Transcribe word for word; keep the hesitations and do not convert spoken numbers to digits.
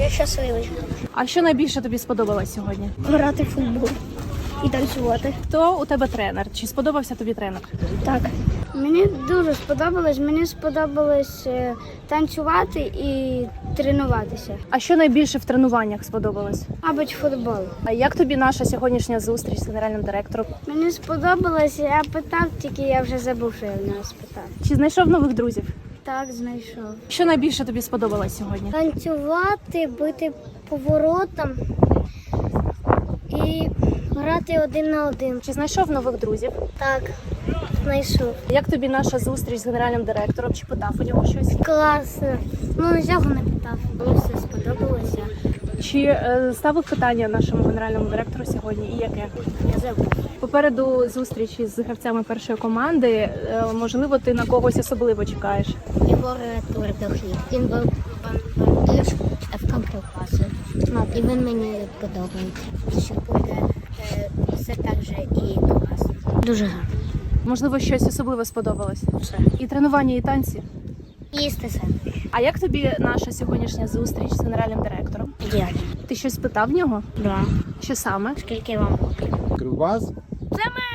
Я щасливий. А що найбільше тобі сподобалось сьогодні? Грати в футбол і танцювати. Хто у тебе тренер? Чи сподобався тобі тренер? Так. Мені дуже сподобалось. Мені сподобалось е, танцювати і тренуватися. А що найбільше в тренуваннях сподобалось? Мабуть, футбол. А як тобі наша сьогоднішня зустріч з генеральним директором? Мені сподобалось, я питав, тільки я вже забув, що я в нього спитав. Чи знайшов нових друзів? Так, знайшов. Що найбільше тобі сподобалось сьогодні? Танцювати, бити поворотом і грати один на один. Чи знайшов нових друзів? Так, знайшов. Як тобі наша зустріч з генеральним директором? Чи питав у нього щось? Класно. Ну, цього не питав. Мені все сподобалося. Чи е, ставив питання нашому генеральному директору сьогодні і яке? Я забув. Попереду зустрічі з гравцями першої команди. Е, можливо, ти на когось особливо чекаєш? Єгор Твердохліб. Він був бандиш в кампу класу. І він мені подобається. Що буде е, все так же і класно. Дуже гарно. Можливо, щось особливо сподобалось? Все. І тренування, і танці? Їсти все. А як тобі наша сьогоднішня зустріч з генеральним директором? Ідеально. Ти щось питав в нього? Да. Що саме? Скільки вам років? Кривбас? Це ми